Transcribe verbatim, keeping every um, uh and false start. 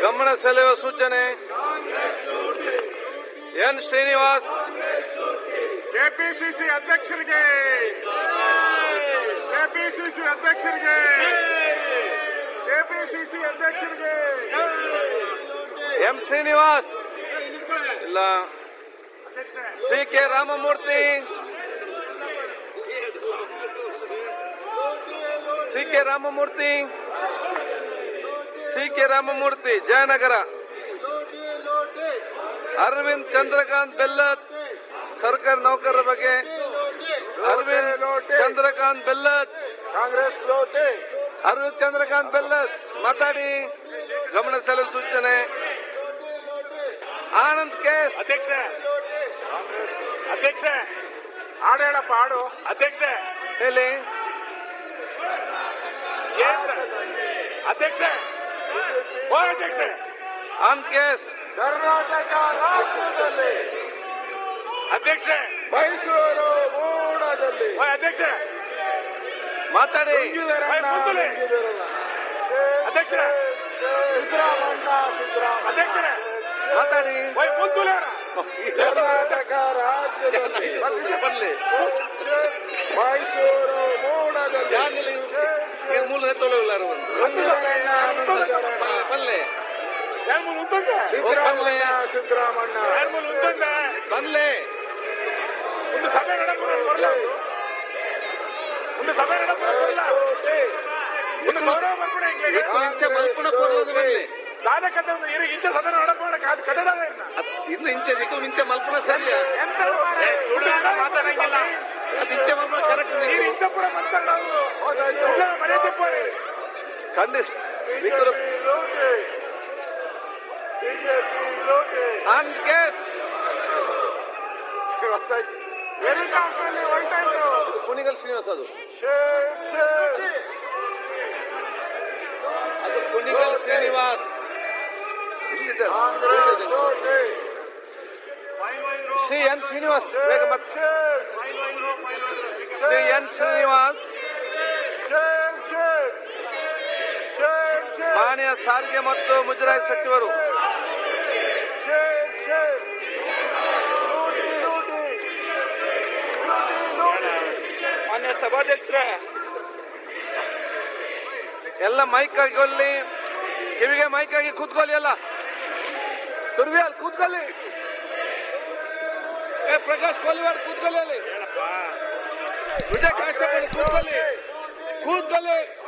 ಗಮನ ಸೆಳೆಯುವ ಸೂಚನೆ. ಎನ್ ಶ್ರೀನಿವಾಸ್ ಕೆಪಿಸಿಸಿ ಅಧ್ಯಕ್ಷರಿಗೆ ಕೆಪಿಸಿಸಿ ಅಧ್ಯಕ್ಷರಿಗೆ ಕೆಪಿಸಿಸಿ ಅಧ್ಯಕ್ಷರಿಗೆ ಎಂ ಶ್ರೀನಿವಾಸ್ ಇಲ್ಲ. C K Ramamurthy C K Ramamurthy C K Ramamurthy Jayanagar. Arvind Chandrakant Bellad ಸರ್ಕಾರಿ ನೌಕರರ ಬಗ್ಗೆ. ಅರವಿಂದ್ ಚಂದ್ರಕಾಂತ್ ಬೆಲ್ಲತ್ ಕಾಂಗ್ರೆಸ್ ಲೋಟೆ. ಅರವಿಂದ್ ಚಂದ್ರಕಾಂತ್ ಬೆಲ್ಲತ್ ಮಾತಾಡಿ. ಗಮನ ಸೆಳೆಯುವ ಸೂಚನೆ. ಆನಂದ್ ಕೇಸ್ ಅಧ್ಯಕ್ಷ ಅಧ್ಯಕ್ಷ ಹಾಡು ಹೇಳಪ್ಪ ಹಾಡು ಅಧ್ಯಕ್ಷ ಹೇಳಿ. ಅಧ್ಯಕ್ಷ ಓ ಅಧ್ಯಕ್ಷ ಆನಂದ್ ಕೇಸ್ ಕರ್ನಾಟಕ ರಾಜ್ಯದಲ್ಲಿ ಅಧ್ಯಕ್ಷ ಮೈಸೂರು ಮೂಡದಲ್ಲಿ ಅಧ್ಯಕ್ಷ ಮಾತಾಡಿ. ಅಧ್ಯಕ್ಷ ಸಿದ್ದರಾಮಣ್ಣ ಸಿದ್ದರಾಮಣ್ಣ ಅಧ್ಯಕ್ಷ ಮಾತಾಡಿ. ಕರ್ನಾಟಕ ರಾಜ್ಯದಲ್ಲಿ ಬರ್ಲಿ ಮೈಸೂರು ಮೂಡದಲ್ಲಿ ಇವ್ರ ಮೂಲ ತೊಳೆಯುಲ್ಲಾರು ಬಲ್ಲೆ ಸಿದ್ದರಾಮಣ್ಣ ಸಿದ್ದರಾಮಣ್ಣ ಬಲ್ಲೆ ಒಂದು ಸಭೆ ಬರಲ್ಲ ಒಂದು ಸಭೆ ಇಂಚೆ ಮಲ್ಪುಣ ಕೊರ್ಲದ ಬಲ್ಲೆ ಇಂಚ ಸದನ ನಡಪೋಣ ಕಟ್ಟದ ಇನ್ನು ಇಂಚೆ ನಿಕ್ಕು ಇಂಚೆ ಮಲ್ಪುಣ ಸರಿಯ ಮಾತಾಡಂಗಿಲ್ಲ ಅದು ಇಂಚೆ ಮಲ್ಪುಣ ಕರೆಕ್ಟ್ ಇಂಚಪುರ ಮಾತಾಡೋದು ಮರ್ಯಾದೆ ಖಂಡಿತ ನಿಕ್ಕರು ಆನಂದ್ ಕೇಸ್ ಹೆಲಿಕಾಪ್ಟರ್ ಹೊರಟಾಯ್ತು. ಕುಣಿಗಲ್ ಶ್ರೀನಿವಾಸ್ ಅದು ಅದು ಕುಣಿಗಲ್ ಶ್ರೀನಿವಾಸ್ ಶ್ರೀ ಎನ್ ಶ್ರೀನಿವಾಸ್ ಬೇಗ ಮತ್ತೆ ಶ್ರೀ ಎನ್ ಶ್ರೀನಿವಾಸ್ ಮಾನ್ಯ ಸಾರಿಗೆ ಮತ್ತು ಮುಜರಾಯಿ ಸಚಿವರು. ಮಾನ್ಯ ಸಭಾಧ್ಯಕ್ಷರ ಎಲ್ಲ ಮೈಕ್ ಆಗಿಕೊಳ್ಳಿ, ಕಿವಿಗೆ ಮೈಕ್ ಆಗಿ ಕೂತ್ಕೊಳ್ಳಿ. ಎಲ್ಲ ತುರ್ವಿ ಅಲ್ಲಿ ಕೂತ್ಕೊಳ್ಳಿ. ಏ ಪ್ರಕಾಶ್ ಕೋಲಿವಾಡ್ ಕೂತ್ಕೊಳ್ಳಿ. ಅಲ್ಲಿ ವಿಜಯ್ ಕಾಶ್ಯಪ್ ಕೂತ್ಕೊಳ್ಳಿ ಕೂತ್ಕೊಳ್ಳಿ